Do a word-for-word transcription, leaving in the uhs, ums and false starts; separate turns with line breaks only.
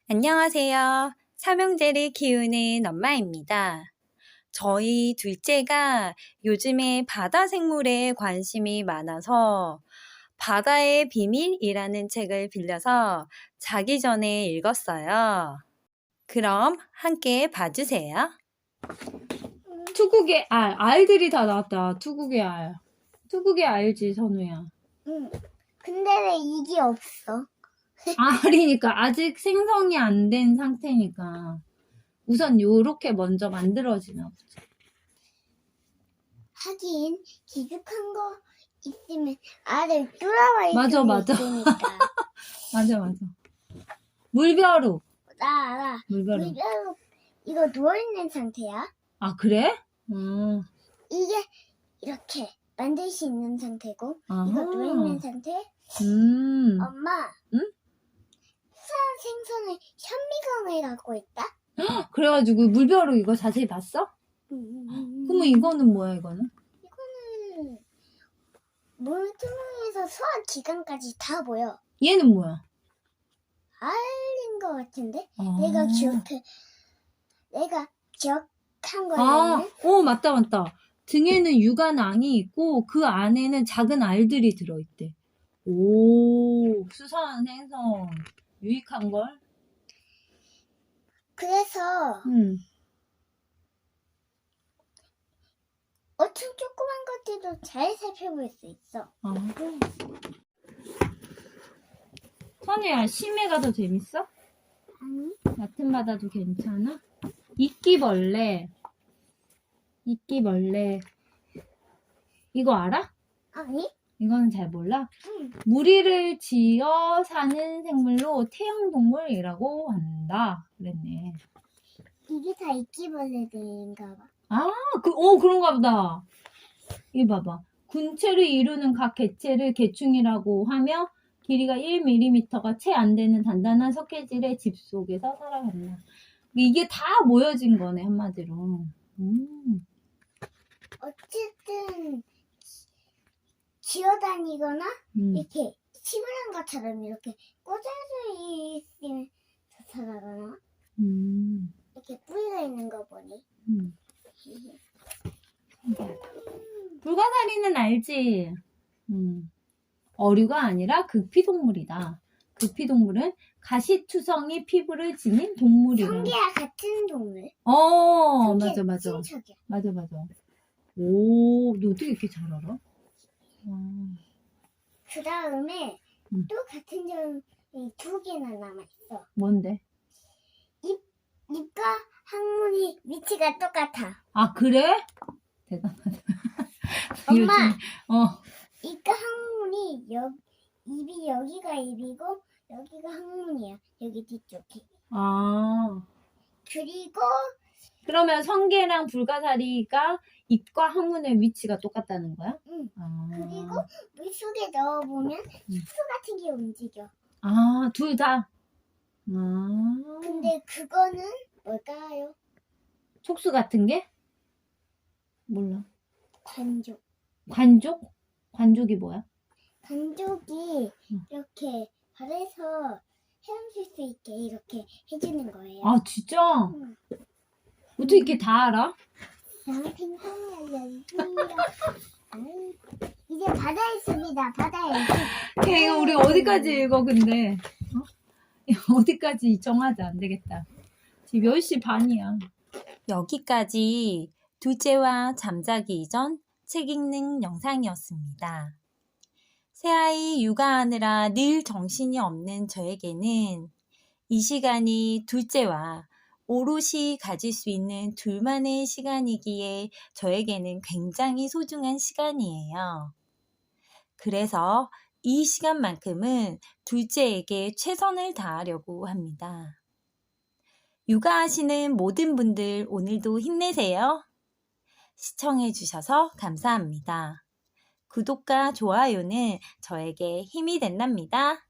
안녕하세요. 삼형제를 키우는 엄마입니다. 저희 둘째가 요즘에 바다 생물에 관심이 많아서 바다의 비밀이라는 책을 빌려서 자기 전에 읽었어요. 그럼 함께 봐주세요.
투국의 알, 알들이 다 나왔다. 투국의 알. 투국의 알지, 선우야.
응. 근데 왜 이게 없어?
알이니까 아직 생성이 안 된 상태니까 우선 요렇게 먼저 만들어지나 보지.
하긴 기죽한 거 있으면 알을 뚫어버릴
맞아,
수도
맞아.
있으니까.
맞아, 맞아. 물벼룩.
나 알아.
물벼룩.
물벼룩 이거 누워있는 상태야.
아, 그래? 음.
이게 이렇게 만들 수 있는 상태고
아하.
이거 누워있는 상태.
음.
엄마.
응?
수산 생선의 현미경을 갖고 있다.
그래가지고 물벼룩 이거 자세히 봤어?
음.
그러면 이거는 뭐야, 이거는?
이거는 물투명에서 소화 기관까지 다 보여.
얘는 뭐야?
알인 것 같은데?
아.
내가 기억해. 내가 기억한
아,
거는
오, 맞다, 맞다. 등에는 육안앙이 있고 그 안에는 작은 알들이 들어있대. 오, 수산 생선. 유익한 걸?
그래서
응.
엄청 조그만 것들도 잘 살펴볼 수 있어.
아. 선우야, 심해가 더 재밌어?
아니?
얕은 바다도 괜찮아? 이끼벌레. 이끼벌레. 이거 알아?
아니?
이거는 잘 몰라?
응.
무리를 지어 사는 생물로 태형동물이라고 한다. 그랬네.
이게 다 이끼벌레들인가 봐.
아, 그, 오, 그런가 보다. 이거 봐봐. 군체를 이루는 각 개체를 개충이라고 하며 길이가 일 밀리미터가 채 안 되는 단단한 석회질의 집 속에서 살아간다. 이게 다 모여진 거네, 한마디로. 음.
어쨌든 기어다니거나
음.
이렇게 시무란 것처럼 이렇게 꽂아져 있으면서 살아가나?
음.
이렇게 뿌리가 있는 거 보니.
음. 불가사리는 알지? 음. 어류가 아니라 극피동물이다. 극피동물은 가시투성이 피부를 지닌 동물이라.
성게와 같은 동물.
어,
성게
맞아, 맞아.
친척이야.
맞아, 맞아. 오, 너 어떻게 이렇게 잘 알아? 와.
그 다음에
음.
또 같은 점이 두 개나 남아있어.
뭔데?
입, 입과 항문이 위치가 똑같아.
아, 그래? 대단하다.
엄마!
요즘, 어.
입과 항문이 여, 입이 여기가 입이고 여기가 항문이야. 여기 뒤쪽이.
아.
그리고
그러면 성게랑 불가사리가 입과 항문의 위치가 똑같다는 거야?
응.
아.
그리고 물속에 넣어보면 촉수 같은 게 움직여.
아, 둘 다? 아.
근데 그거는 뭘까요?
촉수 같은 게? 몰라.
관족.
관족? 관족이 뭐야?
관족이
응.
이렇게 발에서 헤엄칠 수 있게 이렇게 해주는 거예요.
아, 진짜?
응.
어떻게 이렇게 다 알아?
나는 핑퐁이 알려주세요. 아이, 이제 바다에 있습니다. 바다에.
걔 이거 우리 어디까지 읽어, 근데? 어? 이거 어디까지 정하자. 안 되겠다. 지금 몇 시 반이야.
여기까지 둘째와 잠자기 이전 책 읽는 영상이었습니다. 새아이 육아하느라 늘 정신이 없는 저에게는 이 시간이 둘째와 오롯이 가질 수 있는 둘만의 시간이기에 저에게는 굉장히 소중한 시간이에요. 그래서 이 시간만큼은 둘째에게 최선을 다하려고 합니다. 육아하시는 모든 분들 오늘도 힘내세요. 시청해주셔서 감사합니다. 구독과 좋아요는 저에게 힘이 된답니다.